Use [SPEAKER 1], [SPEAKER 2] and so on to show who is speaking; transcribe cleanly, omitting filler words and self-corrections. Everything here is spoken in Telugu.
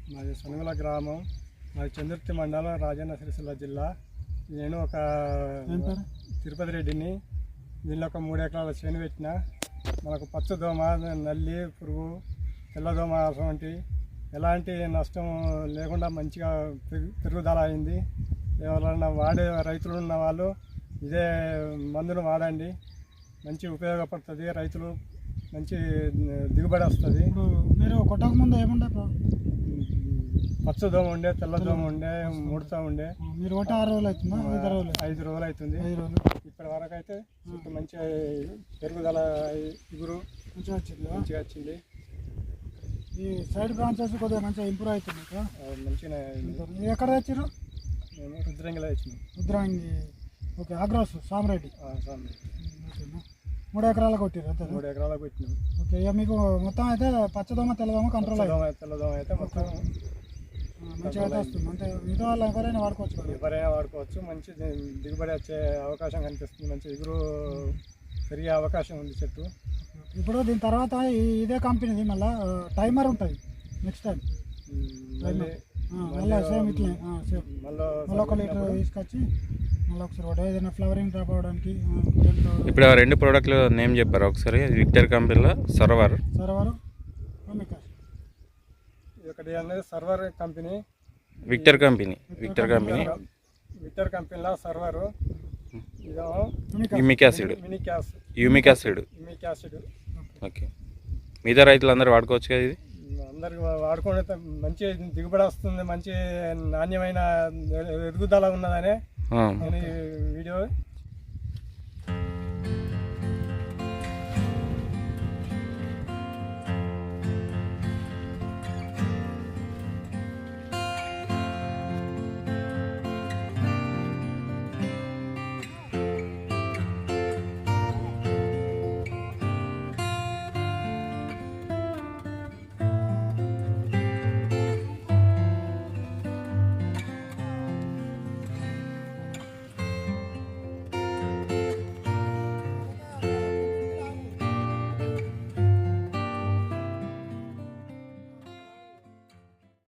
[SPEAKER 1] మాది సనుగుల గ్రామం, మాది చంద్రుర్తి మండలం, రాజన్న సిరిసిల్ల జిల్లా. నేను ఒక తిరుపతి రెడ్డిని. దీనిలో ఒక 3 ఎకరాల చేను పెట్టిన. మనకు పచ్చదోమ, నల్లి పురుగు, తెల్లదోమ అటువంటి ఎలాంటి నష్టం లేకుండా మంచిగా పెరుగుదల అయింది. ఎవరైనా వాడే రైతులు ఉన్న వాళ్ళు ఇదే మందును వాడండి, మంచి ఉపయోగపడుతుంది. రైతులు మంచి దిగుబడి వస్తుంది.
[SPEAKER 2] మీరు కొట్టక ముందు ఏముండే?
[SPEAKER 1] పచ్చదోమ ఉండే, తెల్లదోమ ఉండే, ముడత ఉండే.
[SPEAKER 2] మీరు ఒకటి 6 రోజులు అవుతుందా?
[SPEAKER 1] 5 రోజులు అవుతుంది.
[SPEAKER 2] 5 రోజులు
[SPEAKER 1] ఇప్పటి వరకు అయితే మంచి పెరుగుదల ఇగురు మంచిగా వచ్చింది.
[SPEAKER 2] ఈ సైడ్ బ్రాంచెస్ కొద్దిగా మంచిగా ఇంప్రూవ్ అవుతుంది.
[SPEAKER 1] మంచిగా
[SPEAKER 2] ఎక్కడ తెచ్చారు?
[SPEAKER 1] మేము రుద్రంగిలో తెచ్చినాం.
[SPEAKER 2] రుద్రాంగి. ఓకే. ఆగ్రాస్ సామరెడ్డి.
[SPEAKER 1] ఓకేనా.
[SPEAKER 2] 3 ఎకరాలు కొట్టారు అంతే?
[SPEAKER 1] 3 ఎకరాలకు పెట్టినాం.
[SPEAKER 2] ఓకే. ఇక మీకు మొత్తం అయితే పచ్చదోమ తెల్లదోమ కంట్రోల్ అయ్యింది?
[SPEAKER 1] తెల్లదోమ అయితే మొత్తం
[SPEAKER 2] మంచిగా అయితే వస్తుంది. అంటే మిగతా వాళ్ళు ఎవరైనా వాడుకోవచ్చు కదా?
[SPEAKER 1] ఎవరైనా వాడుకోవచ్చు. మంచి దిగుబడి వచ్చే అవకాశం కనిపిస్తుంది. మంచి ఎగురు పెరిగే అవకాశం ఉంది చెట్టు.
[SPEAKER 2] ఇప్పుడు దీని తర్వాత ఇదే కంపెనీది మళ్ళీ టైమర్ ఉంటుంది నెక్స్ట్ టైం. మళ్ళీ సేమ్ ఇట్లా మళ్ళీ 1 లీటర్ తీసుకొచ్చి మళ్ళీ ఒకసారి ఏదైనా ఫ్లవరింగ్ డ్రాప్ అవడానికి.
[SPEAKER 3] ఇప్పుడు 2 ప్రోడక్ట్లు నేమ్ చెప్పారు ఒకసారి. విక్టర్ కంపెనీలో సర్వర్
[SPEAKER 1] ఒకటి అనేది సర్వర్ కంపెనీ,
[SPEAKER 3] విక్టర్ కంపెనీలో
[SPEAKER 1] సర్వర్,
[SPEAKER 3] యూమిక్ యాసిడ్. ఓకే. మిగతా రైతులందరూ వాడుకోవచ్చు కదా ఇది?
[SPEAKER 1] అందరికి వాడుకుంటే మంచి దిగుబడి వస్తుంది, మంచి నాణ్యమైన ఎదుగుదల ఉన్నదనే నేను ఈ వీడియో